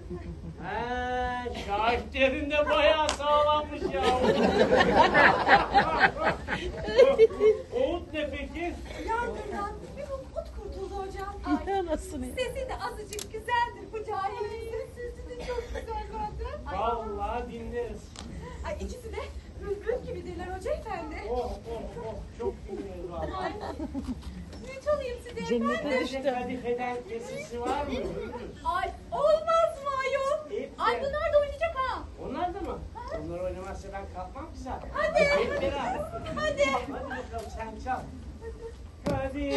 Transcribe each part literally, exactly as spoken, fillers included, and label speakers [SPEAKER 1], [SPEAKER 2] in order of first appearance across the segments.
[SPEAKER 1] He, şahitlerin de bayağı sağlammış ya. Oğut ne peki?
[SPEAKER 2] Yangından bir umut kurtuldu hocam.
[SPEAKER 3] Ay, anasını.
[SPEAKER 2] Sesi de azıcık güzeldir bu cahilin. Sesi de çok güzel zaten. Ay,
[SPEAKER 1] Vallahi dinleriz.
[SPEAKER 2] Ay ikisi de bülbül gibidirler hoca efendi.
[SPEAKER 1] Oh oh oh, çok dinleriz vallahi.
[SPEAKER 2] Ay, ne çalayım size
[SPEAKER 3] Cennete
[SPEAKER 2] efendim?
[SPEAKER 3] düştü.
[SPEAKER 1] Kadifeden kesisi var mı?
[SPEAKER 2] Ay olmaz mı ayol?
[SPEAKER 1] Hep
[SPEAKER 2] Ay
[SPEAKER 1] de.
[SPEAKER 2] bunlar da oynayacak ha.
[SPEAKER 1] Onlar da mı? Onlar oynamazsa ben kalkmam ki zaten.
[SPEAKER 2] Hadi.
[SPEAKER 1] Hep beraber.
[SPEAKER 2] Hadi.
[SPEAKER 1] Hadi bakalım sen çal. Hadi.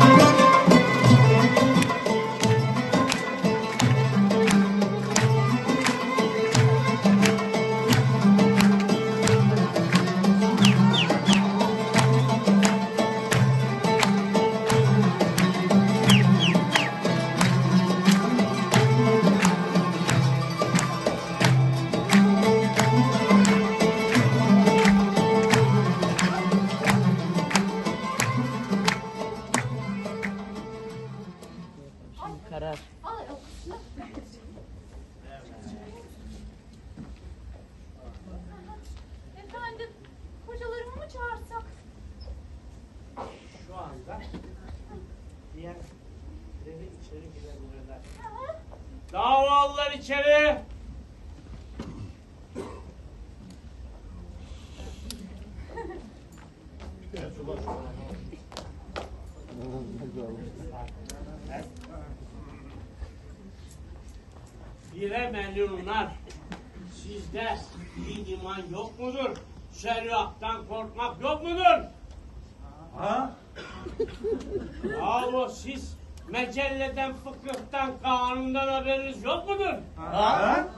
[SPEAKER 3] Karar.
[SPEAKER 2] Ay, o- Efendim, hocalarımı mı çağırsak?
[SPEAKER 1] Şu anda diğerleri içeri girebilirler.
[SPEAKER 2] Hı hı.
[SPEAKER 1] Davalılar içeri. Bire melunlar. Sizde din iman yok mudur? Şeriattan korkmak yok mudur?
[SPEAKER 4] Ha?
[SPEAKER 1] Yahu siz mecelleden, fıkıhtan, kanundan haberiniz yok mudur?
[SPEAKER 4] Ha?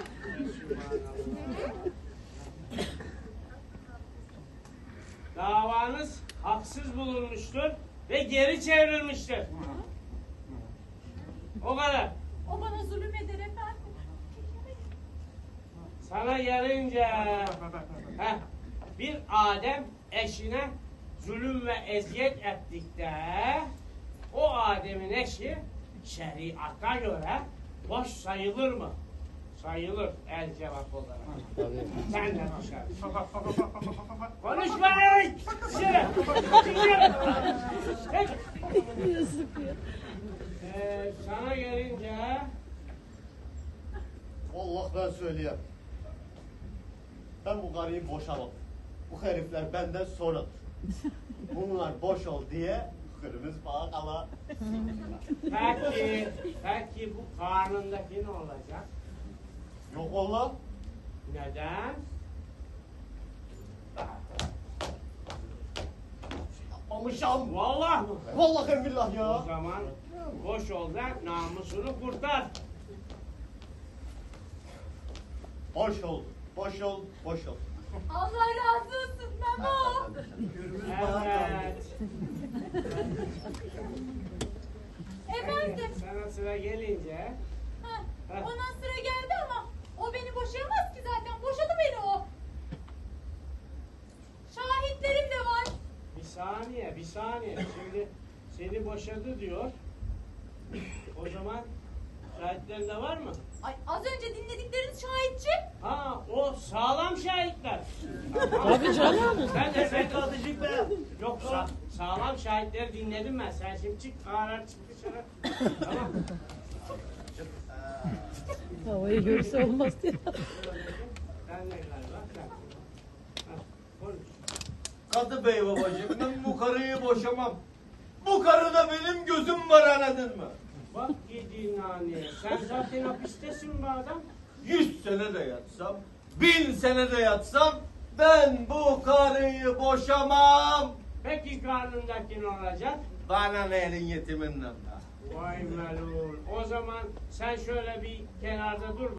[SPEAKER 1] Davanız haksız bulunmuştur ve geri çevrilmiştir. O kadar.
[SPEAKER 2] O bana zulüm eder efendim.
[SPEAKER 1] Sana gelince heh, bir Adem eşine zulüm ve eziyet ettikte o Adem'in eşi şeriata göre boş sayılır mı? Sayılır el cevap olarak. Sen de dışarı. Konuşma lan! Dışarı! Dışarı! Tek!
[SPEAKER 3] Yazık ya.
[SPEAKER 1] Ee, sana gelince
[SPEAKER 4] Allah ben söyleyeyim. Ben bu karıyı boşamam. Bu herifler benden sonradır. Bunlar boş ol diye kırmızı bağa kala.
[SPEAKER 1] peki, peki bu karnındaki ne olacak?
[SPEAKER 4] Yok oğlum.
[SPEAKER 1] Neden?
[SPEAKER 4] Yapmamışam.
[SPEAKER 1] Vallahi mı?
[SPEAKER 4] Vallahi billah
[SPEAKER 1] O
[SPEAKER 4] ya.
[SPEAKER 1] zaman boş ol da namusunu kurtar.
[SPEAKER 4] Boş ol. Boş ol. Boş ol.
[SPEAKER 2] Allah razı olsun Memo.
[SPEAKER 4] Kırmızı bağa kala.
[SPEAKER 1] Evet.
[SPEAKER 2] Efendim,
[SPEAKER 1] Sana sıra gelince
[SPEAKER 2] ha,
[SPEAKER 1] Ha.
[SPEAKER 2] ona sıra geldi ama o beni boşayamaz ki zaten. Boşadı beni o. Şahitlerim de var.
[SPEAKER 1] bir saniye, bir saniye. Şimdi seni boşadı diyor. O zaman şahitlerin de var mı?
[SPEAKER 2] Ay az önce dinledikleriniz şahitçi.
[SPEAKER 1] Ha, o sağlam şahitler.
[SPEAKER 3] Tabii canım.
[SPEAKER 1] Sen de sen kalıcık be. Yok sa sağlam şahitleri dinledim ben. Sen şimdi çık, ağır çık dışarı. Tamam.
[SPEAKER 3] Havayı görse olmaz diye.
[SPEAKER 1] Sen de galiba. Sen. Ha, konuş.
[SPEAKER 4] Kadı bey babacığım ben bu karıyı boşamam. Bu karıda benim gözüm var anladın mı?
[SPEAKER 1] Bak gidi nane. Sen zaten hapistesin bu adam.
[SPEAKER 4] Yüz sene de yatsam, bin sene de yatsam ben bu karıyı boşamam.
[SPEAKER 1] Peki karnındaki ne olacak?
[SPEAKER 4] Bana ne elin yetiminden de.
[SPEAKER 1] Vay melul. O zaman sen şöyle bir kenarda dur.